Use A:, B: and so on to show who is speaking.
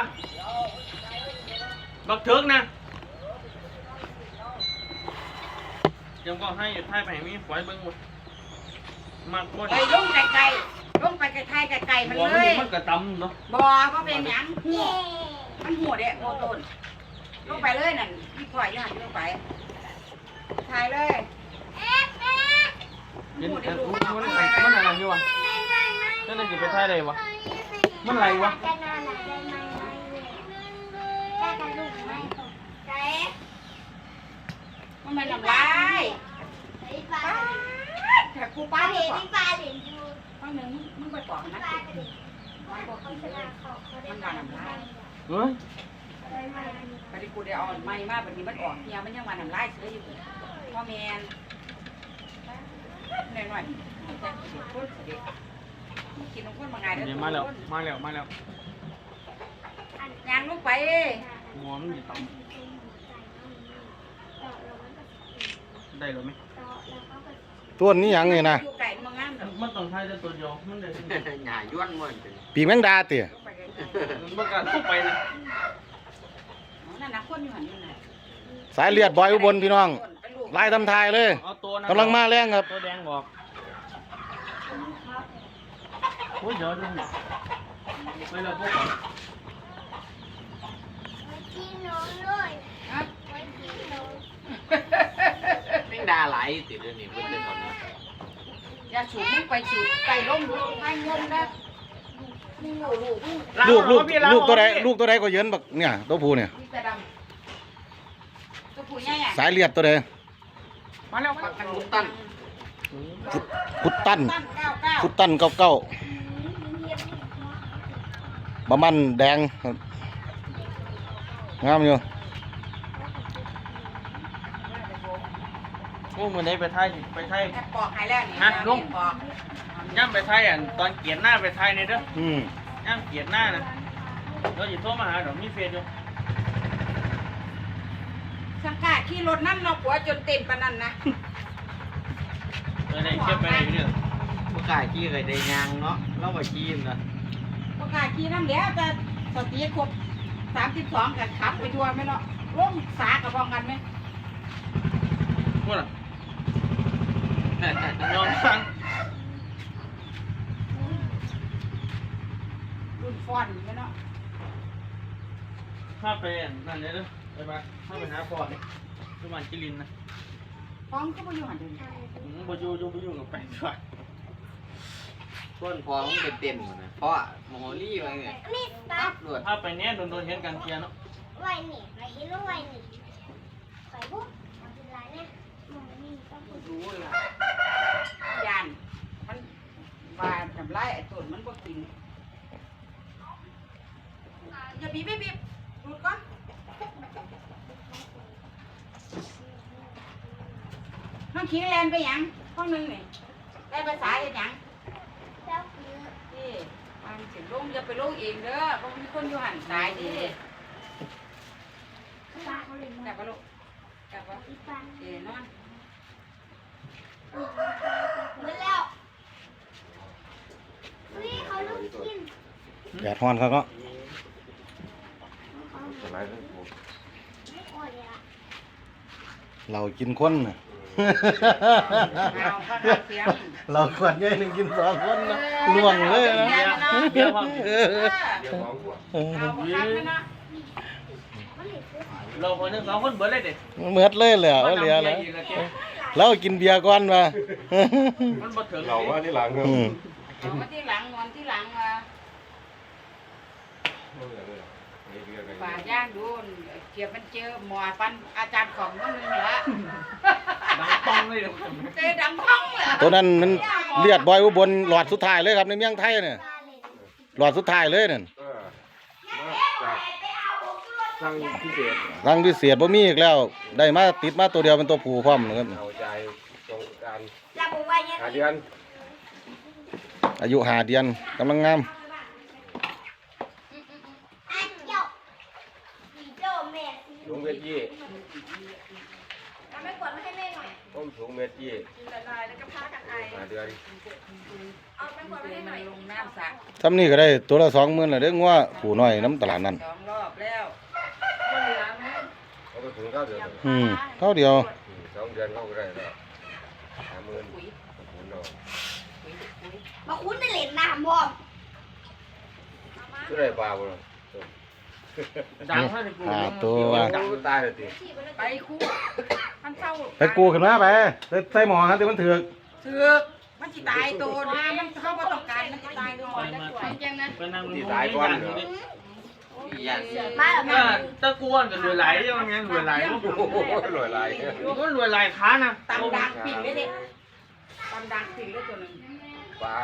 A: บักเถิกนะยังก็ให้ไทยไปมีฝอยเบิ้งหมดมากหมด
B: ไปลงไกลๆลงไปไกลๆไกลๆมันเลย
A: มันกระตำเนาะ
B: บ่ก็เป็นหยังหัวมันหัวเด้โมต้นลงไปเลยนั่นพี่พ่อยอยู่หันลงไปถ่ายเลย
A: มันอะไรอยู่วะนั่นจะไปไทยอะไรวะมันอะไรวะ
B: มันไม่ทำร้ายแต่กูป้าเห็นปลาเห็นอยู่ป้าหนึ่งมึงไปปอกนะมันบอกกินเลยมันมาทำร้าย
A: เฮ้ย
B: ปฏิกูได้เอาไม้มาแบบนี้มันออกเฮียมันยังมาทำร้ายเสืออยู่พ่อแมนหน่อยๆจะกินคนเด็กกินน้ำข้นมาไงเด้อ
A: มาแล้ว
B: ยางลูกไป
A: หัวมันอยู่ต่ำได้หรือไม่
C: ตัวนี้หยังนี่นะ
B: ไก่มันงามเด้อ
A: มันต้องใช้แต่ตัวเดียวมันได้
D: หน่าย้วนมันเป็น
C: ปีกแมงดาเตี่ย
A: มันการเข้าไปนะ
B: นั่นนะคนอยู่หันอยู่ไหน
C: สายเลือดบอยอุบลพี่น้องไล่ทำทายเลย
A: เอาตัวนั้น
C: กำลังมาแรงครับ
A: ตัวแดงบอกโอ้ยเดี๋ยวดูไปแล้วพวก
D: แม่งดาไหลติดเลยนี่เพื่อนตอนนี้
B: อย่าสูบมึงไปสูบไก่ล้มไม่งมนะ
C: ลูกตัวใดก็เยินบักเนี่ยตัวผู้เนี่ย
B: นี่จะดำตัวผู้ใหญ่
C: สายเลือดตัวใด
A: มาแล้ว
D: ปักกันมุตัน
C: พุดตั้น
B: 99
C: พุดตั้นเก้าบะมันแดงครับงามอยู่
A: โอ้มือไหนไปไทย
B: ปอกหายแล้วนี่
A: ฮะลุง
B: ปอก
A: ย่ำไปไทยอ่ะตอนเกียรหน้าไปไทยเนี่ยเด้อ
C: อืม
A: ย่ำเกียรหน้านะเราอยู่โทรมาหาเดี๋ยวมีเฟซอยู่
B: สังกาขี่รถนั่นเราผัวจนเต็มปานนั้นนะ
A: ได้เก็บไปไหนเนี่ย
D: ผู้กายขี้เคยได้ยางเนาะเราไปขี้นะ
B: ประกาศขี่น้ำแล้วแต่สติครบ32กันขับไปทัวร์ไหมเนาะลงสากับพองกันไหม
A: พูดอ่ะยอมฟัง
B: รุ่นฟอนไหมเนาะ
A: ถ้าไปนั่นเนี่ยเด้อไปบ้านถ้าไปหาพ่อเนี่ยที่บ้านจิรินนะ
B: ฟ้องก็ไปอยู่หันเดิน
A: บ่อยู่กับไปด้วย
D: ส่วนพอมันเป็นเต็มนะเพราะโมโหลี่อะไรเนี่ยปั๊บรวด
A: ถ้าไปเนี้ยโดนเห็นกันเทียเนาะ
E: ไวนี่ไปเห็นว่าไวนี่ไปปุ๊บเอาเป็นไรเนี่ยมันนี่ต้องพูด
B: รู้เลยยานมันว่าทำไรไอ้ต้นมันบ่กินอย่าบีบไม่บีบดูดก่อนน้องขิงแลนไปยังห้องนึงนี่ได้ภาษาเห็นยัง
E: เจ้าคือ
B: นี่มันสิลงอย่าไปลงเองเด้อเพราะมีคนอยู่หันตายดิ
E: ปลาเขาเลย
B: กลับไปลูกกลับไป
E: อีปลา
B: นอน
E: หมดแล้วนี่เขาลูกกิน
C: แดดฮ้อนครับเนาะ
E: ไม่อ่อนเลยอ่ะ
C: เรากินคนน่ะ
B: เอาข้าวเสียง
C: เราขวดใหญ่หนึ่งกิน2 คนนะล่วงเลยนะ
A: เดี๋ยวฟัง
B: เอาข้าวไปนะ
E: มันเหลือซื้อ
A: เราคนนึง2 คนเบิดเลยเด็ด
C: เหมือดเลยเหลือเหลือแล้วเรากินเบียร์ก่อนมา
A: มันบ่ถึง
F: เราว่าที่หลังครับ
B: เอามาที่หลังนอนที่หลังมาป่าย่างดูเกี่ยวมันเจอหมอฟันอาจารย์ของนั่นนึงเหรอ
A: ดังป้องเลยเดี๋ยว
B: เจอดังท้องเหรอ
C: ตัวนั้นมันเลือดบอยอุบลหลอดสุดท้ายเลยครับในเมืองไทยเนี่ย
E: ปลาเลย
C: หลอดสุดท้ายเลยนั่น
F: สั่งพิเศษ
C: รังพิเศษบ่มีอีกแล้ว ได้มาติดมาตัวเดียวเป็นตัวผู้พร้อมนะครับ
F: เอาใจตรงการ
E: จะบอกว่ายัง
F: หาเดือน
C: อายุ5 เดือนกำลังงาม
E: อันเจ้าสีโจ้แม่
F: ลุงเวที
B: อ
E: เอาไม่กดมาให้แม่หน่อย
F: ต้มถุงเม็ดยี่
E: กินละลายแล้วก็พากันไอ
F: หาเดือน
E: เอาไม่กดมาให้หน่อย
B: ลงน้ำสระ
C: ซ้ำนี่ก็ได้ตัวละ20,000แล้วเด้องัวผู้น้อยน้ำตลาดนั่น
B: 2 รอบแล้ว
F: เอาไปถุงข้าวเดือน
C: เท่าเดียว
F: 2 เดือนเขาก็ได้แล้ว50,000
B: ปุ๋ย
F: ถุงนอน
E: มาคุ้นได้เหรียญน้ำพ่อ
F: ก็ได้ปลาบ่ล่ะ
A: ดังเท่าไหร่กู
C: ตัวว่า
F: ตายเลยติ
B: ไปคู่มันเศร้า
C: ไปกูขึ้นมาไปใส่หมอฮะที่มันถือก
B: เถือกมันสิตายตัวนะมันเข้าบ่ต้องการมันสิตายตัว
A: ไปนั่ง
F: ที่ตายก่อนเหรอ
D: อย่าง
E: มาแล้ว
A: ก็ตะกวนกับรวยไหลยังไงรวยไหล
F: โอ้โหรวยหลาย
A: ก็รวยไหลค้านะ
B: ตำดังผิงเลยเด็กตำดังผิงเลยตัวหนึง